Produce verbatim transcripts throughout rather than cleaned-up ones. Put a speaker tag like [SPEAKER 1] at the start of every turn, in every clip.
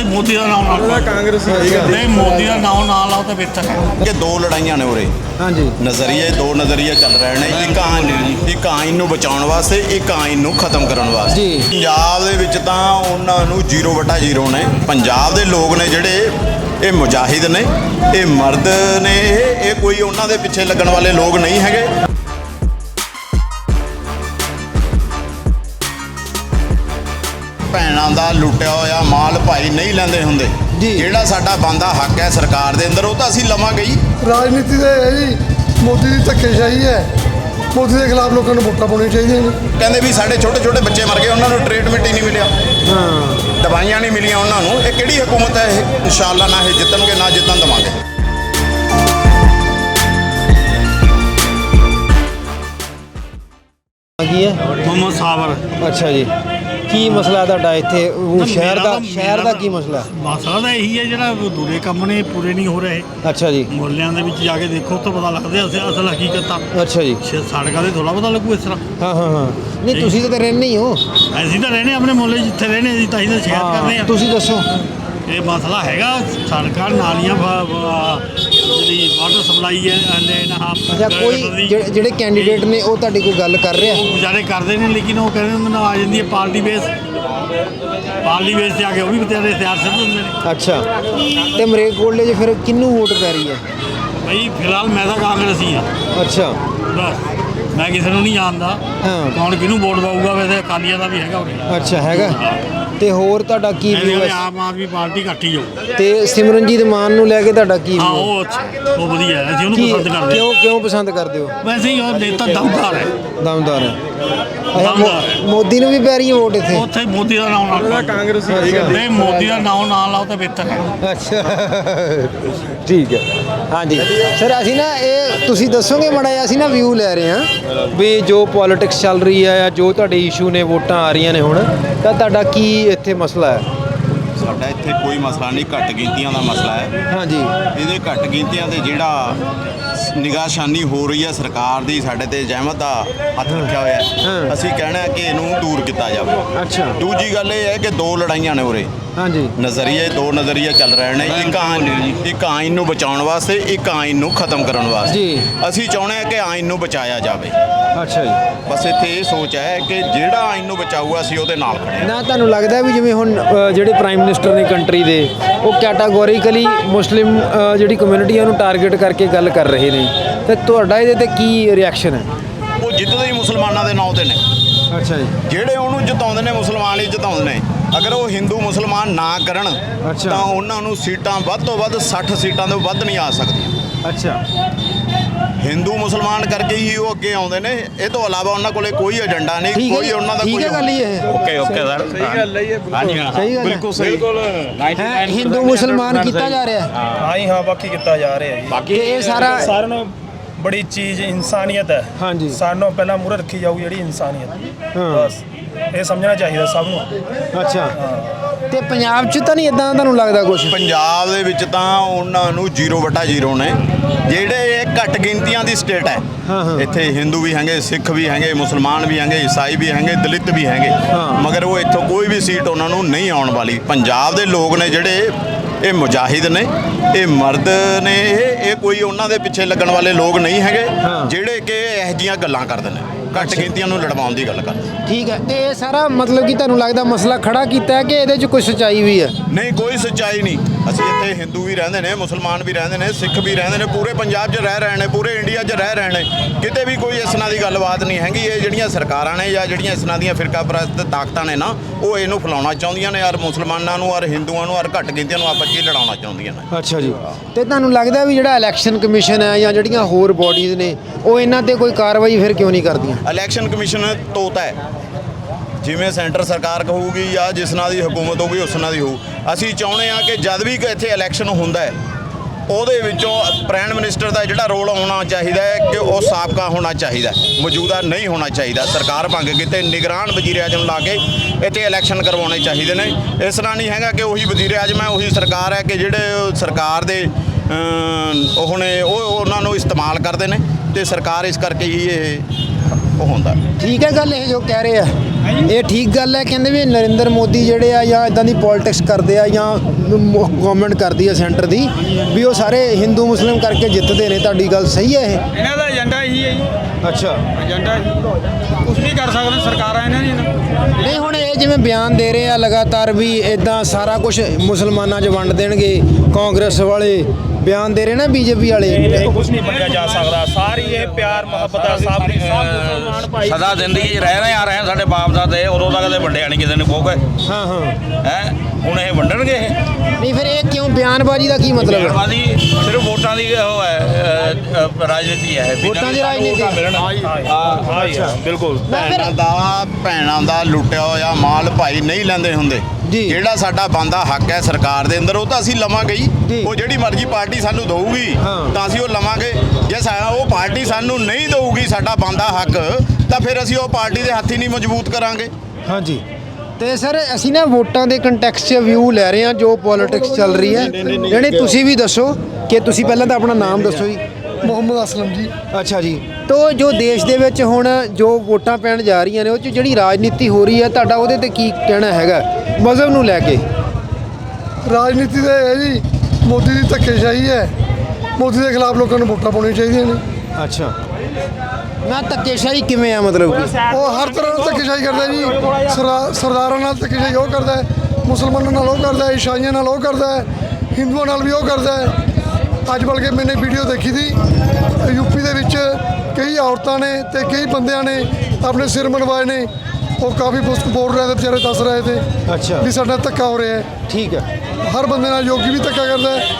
[SPEAKER 1] नहीं मोदी का नाम ना
[SPEAKER 2] कांग्रेस
[SPEAKER 1] नहीं मोदी का नाम ना लाओ तो बेहतर है
[SPEAKER 3] कि दो लड़ाइयां ने उरे
[SPEAKER 2] हाँ जी
[SPEAKER 3] नज़रिए दो नज़रिए चल रहे हैं एक आइन एक आइन ਨੂੰ ਬਚਾਉਣ ਵਾਸਤੇ ਇੱਕ ਆइन ਨੂੰ ਖਤਮ ਕਰਨ ਵਾਸਤੇ
[SPEAKER 2] ਜੀ।
[SPEAKER 3] ਪੰਜਾਬ ਦੇ ਵਿੱਚ ਤਾਂ ਉਹਨਾਂ ਨੂੰ ਜ਼ੀਰੋ ਵਟਾ ਜ਼ੀਰੋ ਨੇ ਪੰਜਾਬ ਦੇ ਲੋਕ ਨੇ ਜਿਹੜੇ ਇਹ ਮੁਜਾਹਿਦ ਨੇ ਇਹ ਮਰਦ ਨੇ ਇਹ ਇਹ ਕੋਈ ਉਹਨਾਂ ਦੇ ਪਿੱਛੇ ਲੱਗਣ ਵਾਲੇ ਲੋਕ ਨਹੀਂ ਹੈਗੇ। ਭੈਣਾਂ ਦਾ ਲੁੱਟਿਆ ਹੋਇਆ ਮਾਲ ਭਾਈ ਨਹੀਂ ਲੈਂਦੇ ਹੁੰਦੇ ਜਿਹੜਾ ਸਾਡਾ ਬੰਦਾ ਹੱਕ ਹੈ ਸਰਕਾਰ ਦੇ ਅੰਦਰ ਉਹ ਤਾਂ ਅਸੀਂ ਲਵਾਂਗੇ ਹੀ।
[SPEAKER 4] ਰਾਜਨੀਤੀ ਦੇ ਹੈ ਜੀ ਮੋਦੀ ਦੀ ਧੱਕੇਸ਼ਾਹੀ ਹੈ ਮੋਦੀ ਦੇ ਖਿਲਾਫ ਲੋਕਾਂ ਨੂੰ ਵੋਟਾਂ ਪਾਉਣੀਆਂ ਚਾਹੀਦੀਆਂ ਨੇ।
[SPEAKER 3] ਕਹਿੰਦੇ ਵੀ ਸਾਡੇ ਛੋਟੇ ਛੋਟੇ ਬੱਚੇ ਮਰ ਗਏ ਉਹਨਾਂ ਨੂੰ ਟ੍ਰੀਟਮੈਂਟ ਹੀ ਨਹੀਂ ਮਿਲਿਆ
[SPEAKER 2] ਹਾਂ
[SPEAKER 3] ਦਵਾਈਆਂ ਨਹੀਂ ਮਿਲੀਆਂ ਉਹਨਾਂ ਨੂੰ। ਇਹ ਕਿਹੜੀ ਹਕੂਮਤ ਹੈ ਇਹ? ਇਨਸ਼ਾਅੱਲਾ ਨਾ ਇਹ ਜਿੱਤਣਗੇ ਨਾ ਜਿੱਤਣ ਦੇਵਾਂਗੇ।
[SPEAKER 2] ਕੀ ਹੈ
[SPEAKER 1] मोहम्मद साबर
[SPEAKER 2] ਅੱਛਾ ਜੀ ਕੀ ਮਸਲਾ ਤੁਹਾਡਾ ਇੱਥੇ ਉਹ ਸ਼ਹਿਰ ਦਾ
[SPEAKER 1] ਮੇਰਾ-
[SPEAKER 2] ਸ਼ਹਿਰ ਦਾ ਕੀ ਮਸਲਾ
[SPEAKER 1] ਮਸਲਾ ਤਾਂ ਇਹੀ ਹੈ ਜਿਹੜਾ ਦੂਰੇ ਕੰਮ ਨੇ ਪੂਰੇ ਨਹੀਂ ਹੋ ਰਹੇ
[SPEAKER 2] ਅੱਛਾ ਜੀ
[SPEAKER 1] ਮੁਹੱਲਿਆਂ ਦੇ ਵਿੱਚ ਜਾ ਕੇ ਦੇਖੋ ਤਾਂ ਪਤਾ ਲੱਗਦਾ ਅਸਲ ਅਸਲ ਹਕੀਕਤ ਆ
[SPEAKER 2] ਅੱਛਾ ਜੀ
[SPEAKER 1] ਸ਼- ਸੜਕਾਂ 'ਤੇ ਥੋੜਾ ਪਤਾ ਲੱਗੂ ਇਸ ਤਰ੍ਹਾਂ।
[SPEAKER 2] ਹਾਂ ਹਾਂ ਹਾਂ ਨਹੀਂ ਤੁਸੀਂ ਤਾਂ ਰਹਿੰਦੇ ਹੀ ਹੋ
[SPEAKER 1] ਅਸੀਂ ਤਾਂ ਰਹਿੰਦੇ ਆਪਣੇ ਮੁਹੱਲੇ 'ਚ ਜਿੱਥੇ ਰਹਿੰਦੇ ਅਸੀਂ ਤਾਂ ਹੀ ਤਾਂ ਸ਼ਿਕਾਇਤ ਕਰਦੇ
[SPEAKER 2] ਹਾਂ
[SPEAKER 1] ਆ।
[SPEAKER 2] ਤੁਸੀਂ ਦੱਸੋ
[SPEAKER 1] ਇਹ ਮਸਲਾ ਹੈਗਾ ਸੜਕਾਂ ਨਾਲੀਆਂ ਬ- ਬ- ਜਿਹੜੀ ਵਾਟਰ ਸਪਲਾਈ ਹੈ ਲੈਣ ਆਹ
[SPEAKER 2] ਅੱਛਾ ਕੋਈ ਜਿਹੜੇ ਜਿਹੜੇ ਕੈਂਡੀਡੇਟ ਨੇ ਉਹ ਤੁਹਾਡੀ ਕੋਈ ਗੱਲ ਕਰ ਰਿਹਾ
[SPEAKER 1] ਉਹ ਵਿਚਾਰੇ ਕਰਦੇ ਨੇ ਲੇਕਿਨ ਉਹ ਕਹਿੰਦੇ ਹੁੰਦੇ ਨੇ ਆ ਜਾਂਦੀ ਹੈ ਪਾਰਟੀ ਬੇਸ ਪਾਰਟੀ ਬੇਸ ਤੇ ਆ ਕੇ ਉਹ ਵੀ ਵਿਚਾਰੇ ਤਿਆਰ ਸਿੱਧ ਹੁੰਦੇ ਨੇ।
[SPEAKER 2] ਅੱਛਾ ਤੇ ਮਰੇਕੋਟਲੇ 'ਚ ਫਿਰ ਕਿਹਨੂੰ ਵੋਟ ਪੈ ਰਹੀ ਹੈ
[SPEAKER 1] ਬਈ ਫਿਲਹਾਲ ਮੈਂ ਤਾਂ ਕਾਂਗਰਸੀ ਆ
[SPEAKER 2] ਅੱਛਾ
[SPEAKER 1] ਬਸ ਮੈਂ ਕਿਸੇ ਨੂੰ ਨਹੀਂ ਜਾਣਦਾ
[SPEAKER 2] ਹਾਂ।
[SPEAKER 1] ਕੌਣ ਕਿਹਨੂੰ ਵੋਟ ਪਾਊਗਾ ਵੈਸੇ ਅਕਾਲੀਆਂ ਦਾ ਵੀ ਹੈਗਾ ਉਰੇ
[SPEAKER 2] ਅੱਛਾ ਹੈਗਾ ਤੇ ਹੋਰ ਤੁਹਾਡਾ ਕੀ
[SPEAKER 1] ਇਹਦੇ
[SPEAKER 2] ਵਿਊ
[SPEAKER 1] ਵਾਲੇ
[SPEAKER 2] ਹੈ
[SPEAKER 1] ਆਮ ਆਦਮੀ ਪਾਰਟੀ ਘੱਟ ਹੀ ਜਾਊ।
[SPEAKER 2] ਤੇ ਸਿਮਰਨਜੀਤ ਮਾਨ ਨੂੰ ਲੈ ਕੇ ਤੁਹਾਡਾ ਕੀ
[SPEAKER 1] ਹਾਂ
[SPEAKER 2] ਵਿਊ
[SPEAKER 1] ਉਹ ਅੱਛਾ ਉਹ ਵਧੀਆ ਹੈ ਅਸੀਂ ਉਹਨੂੰ
[SPEAKER 2] ਕੀ
[SPEAKER 1] ਪਸੰਦ ਕਰਦੇ
[SPEAKER 2] ਕਿਉਂ ਕਿਉਂ ਪਸੰਦ ਕਰਦੇ ਹੋ
[SPEAKER 1] ਹਾਂ। ਵੈਸੇ ਹੀ ਉਹ ਨੇਤਾ ਦਮਦਾਰ ਹੈ
[SPEAKER 2] ਦਮਦਾਰ ਹੈ ਅੱਛਾ ਮੋ-
[SPEAKER 1] ਦਮਦਾਰ ਹੈ।
[SPEAKER 2] ਮੋਦੀ ਨੂੰ ਵੀ ਪੈ ਰਹੀ ਹੈ ਵੋਟ ਇੱਥੇ
[SPEAKER 1] ਉੱਥੇ ਮੋਦੀ ਦਾ ਨਾਮ ਨਾ ਲਾਓ।
[SPEAKER 2] ਕਾਂਗਰਸ
[SPEAKER 1] ਨਹੀਂ ਮੋਦੀ ਦਾ ਨਾਮ ਨਾ ਲਾਓ ਤਾਂ ਬਿਹਤਰ ਹੈ।
[SPEAKER 2] ਅੱਛਾ ਠੀਕ ਹੈ ਹਾਂਜੀ ਸਰ ਅਸੀਂ ਨਾ ਇਹ ਤੁਸੀਂ ਦੱਸੋਗੇ ਮਾੜਾ ਜਿਹਾ ਅਸੀਂ ਨਾ ਵਿਊ ਲੈ ਰਹੇ ਹਾਂ ਵੀ ਜੋ ਪੋਲਿਟਿਕਸ ਚੱਲ ਰਹੀ ਹੈ ਜਾਂ ਜੋ ਤੁਹਾਡੇ ਇਸ਼ੂ ਨੇ ਵੋਟਾਂ ਆ ਰਹੀਆਂ ਨੇ ਹੁਣ ਤਾਂ ਤੁਹਾਡਾ ਕੀ ਇੱਥੇ ਮਸਲਾ ਹੈ
[SPEAKER 3] ਸਾਡਾ ਇੱਥੇ ਕੋਈ ਮਸਲਾ ਨਹੀਂ ਘੱਟ ਗਿਣਤੀਆਂ ਦਾ ਮਸਲਾ ਹੈ।
[SPEAKER 2] ਹਾਂਜੀ
[SPEAKER 3] ਇਹਦੇ ਘੱਟ ਗਿਣਤੀਆਂ ਤੇ ਜਿਹੜਾ ਨਿਗਾਹਸ਼ਾਨੀ ਹੋ ਰਹੀ ਹੈ ਸਰਕਾਰ ਦੀ ਸਾਡੇ ਤੇ ਜ਼ਹਿਮਤ ਦਾ ਹੱਥ ਰੱਖਿਆ ਹੋਇਆ ਹੈ
[SPEAKER 2] ਹਾਂ।
[SPEAKER 3] ਅਸੀਂ ਕਹਿਣਾ ਹੈ ਕਿ ਇਹਨੂੰ ਦੂਰ ਕੀਤਾ ਜਾਵੇ।
[SPEAKER 2] ਅੱਛਾ
[SPEAKER 3] ਦੂਜੀ ਗੱਲ ਇਹ ਹੈ ਕਿ ਦੋ ਲੜਾਈਆਂ ਨੇ ਉਰੇ
[SPEAKER 2] ਹਾਂਜੀ
[SPEAKER 3] ਨਜ਼ਰੀਏ ਦੋ ਨਜ਼ਰੀਏ ਚੱਲ ਰਹੇ ਨੇ ਇੱਕ ਆइन ਇੱਕ ਆइन ਨੂੰ ਬਚਾਉਣ ਵਾਸਤੇ ਇੱਕ ਆइन ਨੂੰ ਖਤਮ ਕਰਨ ਵਾਸਤੇ
[SPEAKER 2] ਜੀ।
[SPEAKER 3] ਅਸੀਂ ਚਾਹੁੰਦੇ ਹਾਂ ਕਿ ਆइन ਨੂੰ ਬਚਾਇਆ ਜਾਵੇ।
[SPEAKER 2] ਅੱਛਾ ਜੀ
[SPEAKER 3] ਬਸ ਇੱਥੇ ਇਹ ਸੋਚ ਹੈ ਕਿ ਜਿਹੜਾ ਆइन ਨੂੰ ਬਚਾਊਗਾ ਅਸੀਂ ਉਹਦੇ ਨਾਲ ਖੜੇ ਹਾਂ।
[SPEAKER 2] ਨਾ ਤੁਹਾਨੂੰ ਲੱਗਦਾ ਵੀ ਜਿਵੇਂ ਹੁਣ ਅ, ਜਿਹੜੇ ਪ੍ਰਾਈਮ ਮਿਨਿਸਟਰ ਨੇ ਕੰਟਰੀ ਦੇ ਉਹ ਕੈਟਾਗੋਰੀਕਲੀ ਮੁਸਲਿਮ ਅ, ਜਿਹੜੀ ਕਮਿਊਨਿਟੀ ਹੈ ਉਹਨੂੰ ਟਾਰਗੇਟ ਕਰਕੇ ਗੱਲ ਕਰ ਰਹੇ ਨੇ ਤੇ ਤੁਹਾਡਾ ਇਹਦੇ ਤੇ ਕੀ ਰਿਐਕਸ਼ਨ ਹੈ
[SPEAKER 3] ਉਹ ਜਿੱਤਦੇ ਹੀ ਮੁਸਲਮਾਨਾਂ ਦੇ ਨਾਂ ਤੇ ਨੇ।
[SPEAKER 2] ਅੱਛਾ ਜੀ
[SPEAKER 3] ਜਿਹੜੇ ਉਹਨੂੰ ਜਿਤਾਉਂਦੇ ਨੇ ਮੁਸਲਮਾਨ ਹੀ ਜਿਤਾਉਂਦੇ ਨੇ। ਅਗਰ ਉਹ ਹਿੰਦੂ ਮੁਸਲਮਾਨ ਨਾ ਕਰਨ
[SPEAKER 2] ਅੱਛਾ।
[SPEAKER 3] ਤਾਂ ਉਹਨਾਂ ਨੂੰ ਸੀਟਾਂ ਵੱਧ ਤੋਂ ਵੱਧ ਸੱਠ ਸੀਟਾਂ ਤੋਂ ਵੱਧ ਨਹੀਂ ਆ ਸਕਦੀਆਂ।
[SPEAKER 2] ਅੱਛਾ
[SPEAKER 3] ਹਿੰਦੂ ਮੁਸਲਮਾਨ ਕਰਕੇ ਹੀ ਉਹ ਅੱਗੇ ਆਉਂਦੇ ਨੇ। ਇਹ ਤੋਂ ਇਲਾਵਾ ਉਹਨਾਂ ਕੋਲੇ ਕੋਈ ਏਜੰਡਾ ਨਹੀਂ
[SPEAKER 2] ਠੀਕ ਹੈ
[SPEAKER 3] ਕੋਈ
[SPEAKER 2] ਜੀ,
[SPEAKER 3] ਉਹਨਾਂ ਦਾ
[SPEAKER 2] ਠੀਕ
[SPEAKER 3] ਕੋਈ
[SPEAKER 2] ਹੈ ਗੱਲ ਇਹ।
[SPEAKER 3] ਓਕੇ ਓਕੇ ਸਰ ਸਹੀ ਗੱਲ ਹੈ ਇਹ ਹਾਂਜੀ ਹਾਂ
[SPEAKER 2] ਸਹੀ ਗੱਲ ਹੈ।
[SPEAKER 3] ਬਿਲਕੁਲ ਸਹੀ
[SPEAKER 2] ਹੈਂ, ਹਿੰਦੂ ਮੁਸਲਮਾਨ ਕੀਤਾ ਜਾ ਰਿਹਾ ਹੈ
[SPEAKER 5] ਹਾਂ ਹੀ ਹਾਂ ਬਾਕੀ ਕੀਤਾ ਜਾ ਰਿਹਾ ਹੈ
[SPEAKER 3] ਬਾਕੀ
[SPEAKER 2] ਤੇ ਇਹ ਸਾਰਾ
[SPEAKER 5] ਸਾਰਿਆਂ ਨੂੰ ਬੜੀ ਚੀਜ਼ ਇਨਸਾਨੀਅਤ ਹੈ
[SPEAKER 2] ਹਾਂਜੀ
[SPEAKER 5] ਸਾਨੂੰ ਪਹਿਲਾਂ ਮੂਹਰੇ ਰੱਖੀ ਜਾਊ ਜਿਹੜੀ ਇਨਸਾਨੀਅਤ
[SPEAKER 2] ਹਾਂ।
[SPEAKER 5] ਬਸ ਇਹ ਸਮਝਣਾ ਚਾਹੀਦਾ ਸਭ ਨੂੰ
[SPEAKER 2] ਅੱਛਾ ਤੇ ਪੰਜਾਬ 'ਚ ਤਾਂ ਨਹੀਂ ਇਦਾਂ ਤੁਹਾਨੂੰ ਲੱਗਦਾ ਕੁਝ
[SPEAKER 3] ਪੰਜਾਬ ਦੇ ਵਿੱਚ ਤਾਂ ਉਹਨਾਂ ਨੂੰ ਜ਼ੀਰੋ ਵਟਾ ਜ਼ੀਰੋ ਨੇ ਜਿਹੜੇ ਇਹ ਘੱਟ ਗਿਣਤੀਆਂ ਦੀ ਸਟੇਟ ਹੈ।
[SPEAKER 2] ਹਾਂ, ਹਾਂ।
[SPEAKER 3] ਇੱਥੇ ਹਿੰਦੂ ਵੀ ਹੈਗੇ ਸਿੱਖ ਵੀ ਹੈਗੇ ਮੁਸਲਮਾਨ ਵੀ ਹੈਗੇ ਈਸਾਈ ਵੀ ਹੈਗੇ ਦਲਿਤ ਵੀ ਹੈਗੇ
[SPEAKER 2] ਹਾਂ।
[SPEAKER 3] ਮਗਰ ਉਹ ਇੱਥੋਂ ਕੋਈ ਵੀ ਸੀਟ ਉਹਨਾਂ ਨੂੰ ਨਹੀਂ ਆਉਣ ਵਾਲੀ। ਪੰਜਾਬ ਦੇ ਲੋਕ ਨੇ ਜਿਹੜੇ ਇਹ ਮੁਜਾਹਿਦ ਨੇ ਇਹ ਮਰਦ ਨੇ ਇਹ ਇਹ ਕੋਈ ਉਹਨਾਂ ਦੇ ਪਿੱਛੇ ਲੱਗਣ ਵਾਲੇ ਲੋਕ ਨਹੀਂ ਹੈਗੇ
[SPEAKER 2] ਹਾਂ।
[SPEAKER 3] ਜਿਹੜੇ ਕਿ ਇਹੋ ਜਿਹੀਆਂ ਗੱਲਾਂ ਕਰਦੇ ਨੇ ਘੱਟ ਗਿਣਤੀਆਂ ਨੂੰ ਲੜਵਾਉਣ ਦੀ ਗੱਲ ਕਰਦੇ।
[SPEAKER 2] ਠੀਕ ਹੈ ਤੇ ਇਹ ਸਾਰਾ ਮਤਲਬ ਕਿ ਤੁਹਾਨੂੰ ਲੱਗਦਾ ਮਸਲਾ ਖੜਾ ਕੀਤਾ ਹੈ ਕਿ ਇਹਦੇ 'ਚ ਕੋਈ ਸੱਚਾਈ ਵੀ ਹੈ
[SPEAKER 3] ਨਹੀਂ ਕੋਈ ਸੱਚਾਈ ਨਹੀਂ। ਅਸੀਂ ਇੱਥੇ ਹਿੰਦੂ ਵੀ ਰਹਿੰਦੇ ਨੇ ਮੁਸਲਮਾਨ ਵੀ ਰਹਿੰਦੇ ਨੇ ਸਿੱਖ ਵੀ ਰਹਿੰਦੇ ਨੇ ਪੂਰੇ ਪੰਜਾਬ 'ਚ ਰਹਿ ਰਹੇ ਨੇ ਪੂਰੇ ਇੰਡੀਆ 'ਚ ਰਹਿ ਰਹੇ ਨੇ ਕਿਤੇ ਵੀ ਕੋਈ ਇਸ ਤਰ੍ਹਾਂ ਦੀ ਗੱਲਬਾਤ ਨਹੀਂ ਹੈਗੀ। ਇਹ ਜਿਹੜੀਆਂ ਸਰਕਾਰਾਂ ਨੇ ਜਾਂ ਜਿਹੜੀਆਂ ਇਸ ਤਰ੍ਹਾਂ ਦੀਆਂ ਫਿਰਕਾ ਪ੍ਰਸਤ ਤਾਕਤਾਂ ਨੇ ਨਾ ਉਹ ਇਹਨੂੰ ਫੈਲਾਉਣਾ ਚਾਹੁੰਦੀਆਂ ਨੇ ਔਰ ਮੁਸਲਮਾਨਾਂ ਨੂੰ ਔਰ ਹਿੰਦੂਆਂ ਨੂੰ ਔਰ ਘੱਟ ਗਿਣਤੀਆਂ ਨੂੰ ਆਪਸ 'ਚ ਹੀ ਲੜਾਉਣਾ ਚਾਹੁੰਦੀਆਂ ਨੇ।
[SPEAKER 2] ਅੱਛਾ ਜੀ ਤੇ ਤੁਹਾਨੂੰ ਲੱਗਦਾ ਵੀ ਜਿਹੜਾ ਇਲੈਕਸ਼ਨ ਕਮਿਸ਼ਨ ਹੈ ਜਾਂ ਜਿਹੜੀਆਂ ਹੋਰ ਬਾਡੀਜ਼ ਨੇ ਉਹ ਇਹਨਾਂ ਤੇ ਕੋਈ ਕਾਰਵਾਈ ਫਿਰ ਕਿਉਂ ਨਹੀਂ ਕਰਦੀਆਂ
[SPEAKER 3] ਇਲੈਕਸ਼ਨ ਕਮਿਸ਼ਨ ਤੋਤਾ ਹੈ ਜਿਵੇਂ ਸੈਂਟਰ ਸਰਕਾਰ ਕਹੂਗੀ ਜਾਂ ਜਿਸ ਨਾਲ ਦੀ ਹਕੂਮਤ ਹੋਊਗੀ ਉਸ ਨਾਲ ਦੀ ਹੋਊ। ਅਸੀਂ ਚਾਹੁੰਦੇ ਹਾਂ ਕਿ ਜਦ ਵੀ ਇੱਥੇ ਇਲੈਕਸ਼ਨ ਹੁੰਦਾ ਹੈ ਉਹਦੇ ਵਿੱਚੋਂ ਪ੍ਰਾਈਮ ਮਿਨਿਸਟਰ ਦਾ ਜਿਹੜਾ ਰੋਲ ਹੋਣਾ ਚਾਹੀਦਾ ਹੈ ਕਿ ਉਹ ਸਾਬਕਾ ਹੋਣਾ ਚਾਹੀਦਾ ਮੌਜੂਦਾ ਨਹੀਂ ਹੋਣਾ ਚਾਹੀਦਾ। ਸਰਕਾਰ ਭੰਗ ਕੀਤੇ ਨਿਗਰਾਨ ਵਜ਼ੀਰ ਆਜ਼ਮ ਲਾ ਕੇ ਇੱਥੇ ਇਲੈਕਸ਼ਨ ਕਰਵਾਉਣੇ ਚਾਹੀਦੇ ਨੇ। ਇਸ ਤਰ੍ਹਾਂ ਨਹੀਂ ਹੈਗਾ ਕਿ ਉਹੀ ਵਜ਼ੀਰ ਆਜ਼ਮ ਹੈ ਉਹੀ ਸਰਕਾਰ ਹੈ ਕਿ ਜਿਹੜੇ ਸਰਕਾਰ ਦੇ ਉਹ ਨੇ ਉਹ ਉਹਨਾਂ ਨੂੰ ਇਸਤੇਮਾਲ ਕਰਦੇ ਨੇ ਤੇ ਸਰਕਾਰ ਇਸ ਕਰਕੇ ਹੀ ਇਹ ਉਹ ਹੁੰਦਾ।
[SPEAKER 2] ਠੀਕ ਹੈ ਗੱਲ ਇਹ ਜੋ ਕਹਿ ਰਹੇ ਆ ਇਹ ਠੀਕ ਗੱਲ ਹੈ ਕਹਿੰਦੇ ਵੀ ਨਰਿੰਦਰ ਮੋਦੀ ਜਿਹੜੇ ਆ ਜਾਂ ਇਦਾਂ ਦੀ ਪੋਲਿਟਿਕਸ ਕਰਦੇ ਆ ਜਾਂ ਗਵਰਨਮੈਂਟ ਕਰਦੀ ਆ ਸੈਂਟਰ ਦੀ ਵੀ ਉਹ ਸਾਰੇ ਹਿੰਦੂ ਮੁਸਲਿਮ ਕਰਕੇ ਜਿੱਤਦੇ ਨੇ, ਤੁਹਾਡੀ ਗੱਲ ਸਹੀ ਹੈ ਇਹ?
[SPEAKER 6] ਇਹਨਾਂ ਦਾ ਏਜੰਡਾ ਇਹੀ ਹੈ ਜੀ,
[SPEAKER 2] ਅੱਛਾ,
[SPEAKER 6] ਏਜੰਡਾ ਕੁਝ ਨਹੀਂ ਕਰ ਸਕਦੇ ਸਰਕਾਰਾਂ ਇਹਨਾਂ ਦੀਆਂ।
[SPEAKER 2] ਨਹੀਂ ਹੁਣ ਇਹ ਜਿਵੇਂ ਬਿਆਨ ਦੇ ਰਹੇ ਆ ਲਗਾਤਾਰ ਵੀ ਇਦਾਂ ਸਾਰਾ ਕੁਝ ਮੁਸਲਮਾਨਾਂ 'ਚ ਵੰਡ ਦੇਣਗੇ, ਕਾਂਗਰਸ ਵਾਲੇ ਬਿਆਨ ਦੇ ਰਹੇ ਨਾ ਬੀਜੇਪੀ ਵਾਲੇ।
[SPEAKER 5] ਇਹ ਕੁਝ ਨਹੀਂ ਬਣਿਆ ਜਾ ਸਕਦਾ, ਸਾਰੀ ਇਹ ਪਿਆਰ ਮੁਹੱਬਤ ਆ ਸਭ ਦੀ, ਸਭ ਮੁਸਲਮਾਨ ਭਾਈ
[SPEAKER 6] ਸਦਾ ਜ਼ਿੰਦਗੀ 'ਚ ਰਹਿ ਰਹੇ ਆ ਰਹੇ ਸਾਡੇ ਬਾਪ ਦਾਦੇ, ਉਦੋਂ ਤੱਕ ਕਦੇ ਵੰਡਿਆ ਨਹੀਂ ਕਿਸੇ ਨੇ ਖੋ ਕੇ।
[SPEAKER 2] ਹਾਂ ਹਾਂ
[SPEAKER 6] ਹੈ ਹੁਣ ਇਹ ਵੰਡਣਗੇ ਇਹ
[SPEAKER 2] ਨਹੀਂ ਫਿਰ ਇਹ ਕਿਉਂ ਬਿਆਨਬਾਜ਼ੀ ਦਾ ਕੀ ਮਤਲਬ ਹੈ?
[SPEAKER 6] ਬਿਆਨਬਾਜ਼ੀ ਸਿਰਫ ਵੋਟਾਂ ਦੀ ਉਹ ਹੈ, ਅ, ਅ, ਰਾਜਨੀਤੀ ਹੈ।
[SPEAKER 2] ਵੋਟਾਂ ਦੀ ਰਾਜਨੀਤੀ।
[SPEAKER 5] ਹਾਂ ਜੀ, ਬਿਲਕੁਲ।
[SPEAKER 2] ਮੈਂ ਫਿਰ
[SPEAKER 3] ਭੈਣਾਂ ਦਾ ਭੈਣਾਂ ਦਾ ਲੁੱਟਿਆ ਹੋਇਆ ਮਾਲ ਭਾਈ ਨਹੀਂ ਲੈਂਦੇ ਹੁੰਦੇ।
[SPEAKER 2] ਜੀ।
[SPEAKER 3] ਜਿਹੜਾ ਸਾਡਾ ਬੰਦਾ ਹੱਕ ਹੈ ਸਰਕਾਰ ਦੇ ਅੰਦਰ ਉਹ ਤਾਂ ਅਸੀਂ ਲਵਾਂਗੇ
[SPEAKER 2] ਜੀ।
[SPEAKER 3] ਹੀ। ਉਹ ਜਿਹੜੀ ਮਰਜ਼ੀ ਪਾਰਟੀ ਸਾਨੂੰ ਦਊਗੀ
[SPEAKER 2] ਹਾਂ।
[SPEAKER 3] ਤਾਂ ਅਸੀਂ ਉਹ ਲਵਾਂਗੇ। ਜੇ ਸਾ ਉਹ ਪਾਰਟੀ ਸਾਨੂੰ ਨਹੀਂ ਦਊਗੀ ਸਾਡਾ ਬੰਦਾ ਹੱਕ, ਤਾਂ ਫਿਰ ਅਸੀਂ ਉਹ ਪਾਰਟੀ ਦੇ ਹੱਥ ਹੀ ਨਹੀਂ ਮਜ਼ਬੂਤ ਕਰਾਂਗੇ।
[SPEAKER 2] ਹਾਂਜੀ ਤੇ ਸਰ ਅਸੀਂ ਨਾ ਵੋਟਾਂ ਦੇ ਕੰਟੈਕਸਟ 'ਚ ਵਿਊ ਲੈ ਰਹੇ ਹਾਂ ਜੋ ਪੋਲਿਟਿਕਸ ਚੱਲ ਰਹੀ ਹੈ। ਯਾਨੀ ਤੁਸੀਂ ਵੀ ਦੱਸੋ ਕਿ ਤੁਸੀਂ ਪਹਿਲਾਂ ਤਾਂ ਆਪਣਾ ਨਾਮ ਦੱਸੋ ਜੀ।
[SPEAKER 4] ਮੁਹੰਮਦ ਅਸਲਮ ਜੀ।
[SPEAKER 2] ਅੱਛਾ ਜੀ, ਤੋ ਜੋ ਦੇਸ਼ ਦੇ ਵਿੱਚ ਹੁਣ ਜੋ ਵੋਟਾਂ ਪੈਣ ਜਾ ਰਹੀਆਂ ਨੇ ਉਹ 'ਚ ਜਿਹੜੀ ਰਾਜਨੀਤੀ ਹੋ ਰਹੀ ਹੈ ਤੁਹਾਡਾ ਉਹਦੇ ਤੇ ਕੀ ਕਹਿਣਾ ਹੈਗਾ ਮਜ਼ਹਬ ਨੂੰ ਲੈ ਕੇ?
[SPEAKER 4] ਰਾਜਨੀਤੀ ਤਾਂ ਇਹ ਹੈ ਜੀ, ਮੋਦੀ ਦੀ ਧੱਕੇਸ਼ਾਹੀ ਹੈ। ਮੋਦੀ ਦੇ ਖਿਲਾਫ ਲੋਕਾਂ ਨੂੰ ਵੋਟਾਂ ਪਾਉਣੀਆਂ ਚਾਹੀਦੀਆਂ ਨੇ।
[SPEAKER 2] ਅੱਛਾ, ਨਾ ਧੱਕੇਸ਼ਾਹੀ ਕਿਵੇਂ ਆ ਮਤਲਬ ਕਿ?
[SPEAKER 4] ਉਹ ਹਰ ਤਰ੍ਹਾਂ ਨਾਲ ਧੱਕੇਸ਼ਾਹੀ ਕਰਦਾ ਜੀ। ਸਰਦਾਰ- ਸਰਦਾਰਾਂ ਨਾਲ ਧੱਕੇਸ਼ਾਹੀ ਉਹ ਕਰਦਾ ਹੈ, ਮੁਸਲਮਾਨਾਂ ਨਾਲ ਉਹ ਕਰਦਾ ਹੈ, ਈਸਾਈਆਂ ਨਾਲ ਉਹ ਕਰਦਾ ਹੈ, ਹਿੰਦੂਆਂ ਨਾਲ ਵੀ ਉਹ ਕਰਦਾ ਹੈ। ਅੱਜ ਬਲਕਿ ਮੈंने ਵੀਡੀਓ ਦੇਖੀ ਸੀ ਯੂਪੀ ਦੇ ਵਿੱਚ ਕਈ ਔਰਤਾਂ ਨੇ ਤੇ ਕਈ ਬੰਦਿਆਂ ਨੇ ਆਪਣੇ ਸਿਰ ਮਨਵਾਏ ਨੇ। ਉਹ ਕਾਫੀ ਪੁਸਤਕ ਬੋਲ ਰਹੇ ਤੇ ਵਿਚਾਰੇ ਦੱਸ ਰਹੇ ਤੇ
[SPEAKER 2] ਅੱਛਾ।
[SPEAKER 4] ਵੀ ਸਾਡਾ ਧੱਕਾ ਹੋ ਰਿਹਾ ਹੈ।
[SPEAKER 2] ਠੀਕ ਹੈ।
[SPEAKER 4] ਹਰ ਬੰਦੇ ਨਾਲ ਯੋਗੀ ਵੀ ਧੱਕਾ ਕਰਦਾ ਹੈ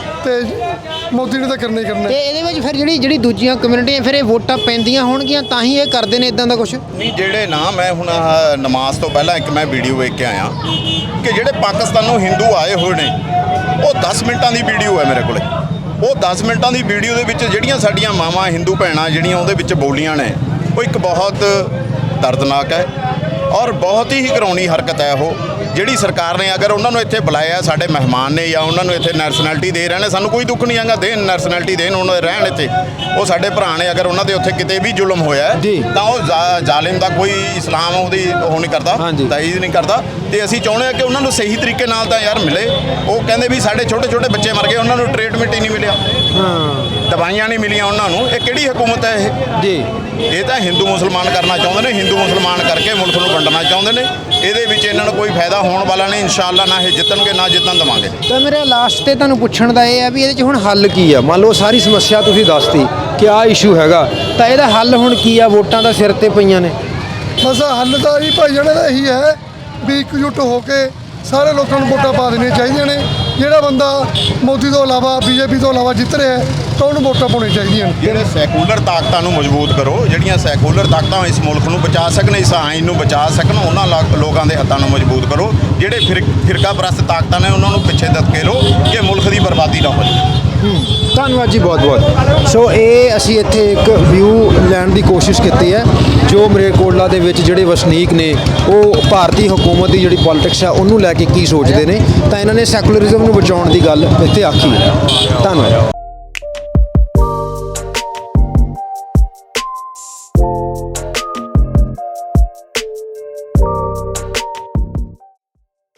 [SPEAKER 4] ਤੇ ਮੋਦੀ ਨੇ ਤਾਂ ਕਰਨਾ ਹੀ ਕਰਨਾ
[SPEAKER 2] ਤੇ
[SPEAKER 4] ਹੈ।
[SPEAKER 2] ਇਹਦੇ ਵਿੱਚ ਫਿਰ ਜਿਹੜੀ ਜਿਹੜੀ ਦੂਜੀਆਂ ਕਮਿਊਨਿਟੀਆਂ ਫਿਰ ਇਹ ਵੋਟਾਂ ਪੈਂਦੀਆਂ ਹੋਣਗੀਆਂ ਤਾਂ ਹੀ ਇਹ ਕਰਦੇ ਨੇ ਇਦਾਂ ਦਾ ਕੁਝ?
[SPEAKER 3] ਨਹੀਂ, ਜਿਹੜੇ ਨਾ ਮੈਂ ਹੁਣ ਆਹ ਨਮਾਜ਼ ਤੋਂ ਪਹਿਲਾਂ ਇੱਕ ਮੈਂ ਵੀਡੀਓ ਵੇਖ ਕੇ ਆਇਆ ਕਿ ਜਿਹੜੇ ਪਾਕਿਸਤਾਨੋਂ ਹਿੰਦੂ ਆਏ ਹੋਏ ਨੇ ਉਹ ਦਸ ਮਿੰਟਾਂ ਦੀ ਵੀਡੀਓ ਹੈ ਮੇਰੇ ਕੋਲੇ। ਉਹ ਦਸ ਮਿੰਟਾਂ ਦੀ ਵੀਡੀਓ ਦੇ ਵਿੱਚ ਜਿਹੜੀਆਂ ਸਾਡੀਆਂ ਮਾਵਾਂ ਹਿੰਦੂ ਭੈਣਾਂ ਜਿਹੜੀਆਂ ਉਹਦੇ ਵਿੱਚ ਬੋਲੀਆਂ ਨੇ ਉਹ ਇੱਕ ਬਹੁਤ ਦਰਦਨਾਕ ਹੈ ਔਰ ਬਹੁਤ ਹੀ ਘਿਰਾਉਣੀ ਹਰਕਤ ਹੈ। ਉਹ ਜਿਹੜੀ ਸਰਕਾਰ ਨੇ ਅਗਰ ਉਹਨਾਂ ਨੂੰ ਇੱਥੇ ਬੁਲਾਇਆ, ਸਾਡੇ ਮਹਿਮਾਨ ਨੇ ਜਾਂ ਉਹਨਾਂ ਨੂੰ ਇੱਥੇ ਨੈਸ਼ਨੈਲਿਟੀ ਦੇ ਰਹੇ ਨੇ, ਸਾਨੂੰ ਕੋਈ ਦੁੱਖ ਨਹੀਂ ਆਗਾ, ਦੇਣ ਨੈਸ਼ਨੈਲਿਟੀ ਦੇਣ, ਉਹਨਾਂ ਦੇ ਰਹਿਣ ਇੱਥੇ। ਉਹ ਸਾਡੇ ਭਰਾ ਨੇ, ਅਗਰ ਉਹਨਾਂ ਦੇ ਉੱਥੇ ਕਿਤੇ ਵੀ ਜ਼ੁਲਮ ਹੋਇਆ ਹੈ,
[SPEAKER 2] ਜੀ।
[SPEAKER 3] ਤਾਂ ਉਹ ਜ਼ਾ- ਜ਼ਾਲਿਮ ਦਾ ਕੋਈ ਇਸਲਾਮ ਉਹਦੀ ਉਹ ਨਹੀਂ ਕਰਦਾ,
[SPEAKER 2] ਹਾਂਜੀ।
[SPEAKER 3] ਤਾਈਦ ਨਹੀਂ ਕਰਦਾ। ਤੇ ਅਸੀਂ ਚਾਹੁੰਦੇ ਹਾਂ ਕਿ ਉਹਨਾਂ ਨੂੰ ਸਹੀ ਤਰੀਕੇ ਨਾਲ ਤਾਂ ਯਾਰ ਮਿਲੇ। ਉਹ ਕਹਿੰਦੇ ਵੀ ਸਾਡੇ ਛੋਟੇ ਛੋਟੇ ਬੱਚੇ ਮਰ ਗਏ, ਉਹਨਾਂ ਨੂੰ ਟ੍ਰੀਟਮੈਂਟ ਹੀ ਨਹੀਂ ਮਿਲਿਆ,
[SPEAKER 2] ਹਾਂ
[SPEAKER 3] ਦਵਾਈਆਂ ਨਹੀਂ ਮਿਲੀਆਂ ਉਹਨਾਂ ਨੂੰ। ਇਹ ਕਿਹੜੀ ਹਕੂਮਤ ਹੈ ਇਹ?
[SPEAKER 2] ਜੀ।
[SPEAKER 3] ਇਹ ਤਾਂ ਹਿੰਦੂ ਮੁਸਲਮਾਨ ਕਰਨਾ ਚਾਹੁੰਦੇ ਨੇ, ਹਿੰਦੂ ਮੁਸਲਮਾਨ ਕਰਕੇ ਮੁਲਕ ਨੂੰ ਵੰਡਣਾ ਚਾਹੁੰਦੇ ਨੇ। ਇਹਦੇ ਵਿੱਚ ਇਹਨਾਂ ਨੂੰ ਕੋਈ ਫਾਇਦਾ ਹੋਣ ਵਾਲਾ ਨਹੀਂ। ਇਨਸ਼ਾਅੱਲਾ ਨਾ ਇਹ ਜਿੱਤਣਗੇ ਨਾ ਜਿੱਤਣ ਦੇਵਾਂਗੇ।
[SPEAKER 2] ਤਾਂ ਮੇਰੇ ਲਾਸਟ ਤੇ ਤੁਹਾਨੂੰ ਪੁੱਛਣ ਦਾ ਇਹ ਹੈ ਵੀ ਇਹਦੇ 'ਚ ਹੁਣ ਹੱਲ ਕੀ ਆ? ਮੰਨ ਲਓ ਸਾਰੀ ਸਮੱਸਿਆ ਤੁਸੀਂ ਦੱਸਤੀ ਕਿ ਆਹ ਇਸ਼ੂ ਹੈਗਾ, ਤਾਂ ਇਹਦਾ ਹੱਲ ਹੁਣ ਕੀ ਆ? ਵੋਟਾਂ ਦਾ ਸਿਰ ਤੇ ਪਈਆਂ ਨੇ।
[SPEAKER 4] ਬਸ ਹੱਲ ਤਾਂ ਜੀ ਭਾਈ ਜਾਣੇ ਦਾ ਇਹੀ ਹੈ ਵੀ ਇਕਜੁੱਟ ਹੋ ਕੇ ਸਾਰੇ ਲੋਕਾਂ ਨੂੰ ਵੋਟਾਂ ਪਾ ਦੇਣੀਆਂ ਚਾਹੀਦੀਆਂ ਨੇ। ਜਿਹੜਾ ਬੰਦਾ ਮੋਦੀ ਤੋਂ ਇਲਾਵਾ ਬੀਜੇਪੀ ਤੋਂ ਇਲਾਵਾ ਜਿੱਤ ਰਿਹਾ ਹੈ ਤਾਂ ਉਹਨੂੰ ਵੋਟਾਂ ਪਾਉਣੀਆਂ ਚਾਹੀਦੀਆਂ ਨੇ।
[SPEAKER 3] ਜਿਹੜੇ ਸੈਕੂਲਰ ਤਾਕਤਾਂ ਨੂੰ ਮਜ਼ਬੂਤ ਕਰੋ, ਜਿਹੜੀਆਂ ਸੈਕੂਲਰ ਤਾਕਤਾਂ ਇਸ ਮੁਲਕ ਨੂੰ ਬਚਾ ਸਕਣ, ਇਸ ਆਇਨ ਨੂੰ ਬਚਾ ਸਕਣ, ਉਹਨਾਂ ਲਾ- ਲੋਕਾਂ ਦੇ ਹੱਥਾਂ ਨੂੰ ਮਜ਼ਬੂਤ ਕਰੋ। ਜਿਹੜੇ ਫਿਰ ਫਿਰਕਾ ਪ੍ਰਸਤ ਤਾਕਤਾਂ ਨੇ ਉਹਨਾਂ ਨੂੰ ਪਿੱਛੇ ਧੱਕੇ ਲਓ ਕਿ ਮੁਲਕ ਦੀ ਬਰਬਾਦੀ ਨਾ ਹੋ ਜਾਵੇ।
[SPEAKER 2] ਧੰਨਵਾਦ ਜੀ, ਬਹੁਤ ਬਹੁਤ। ਸੋ ਇਹ ਅਸੀਂ ਇੱਥੇ ਇੱਕ ਵਿਊ ਲੈਣ ਦੀ ਕੋਸ਼ਿਸ਼ ਕੀਤੀ ਹੈ ਜੋ ਮਰੇਕੋਟਲਾ ਦੇ ਵਿੱਚ ਜਿਹੜੇ ਵਸਨੀਕ ਨੇ ਉਹ ਭਾਰਤੀ ਹਕੂਮਤ ਦੀ ਜਿਹੜੀ ਪੋਲਿਟਿਕਸ ਹੈ ਉਹਨੂੰ ਲੈ ਕੇ ਕੀ ਸੋਚਦੇ ਨੇ, ਤਾਂ ਇਹਨਾਂ ਨੇ ਸੈਕੂਲਰਿਜ਼ਮ ਨੂੰ ਬਚਾਉਣ ਦੀ ਗੱਲ ਇੱਥੇ ਆਖੀ ਹੈ। ਧੰਨਵਾਦ।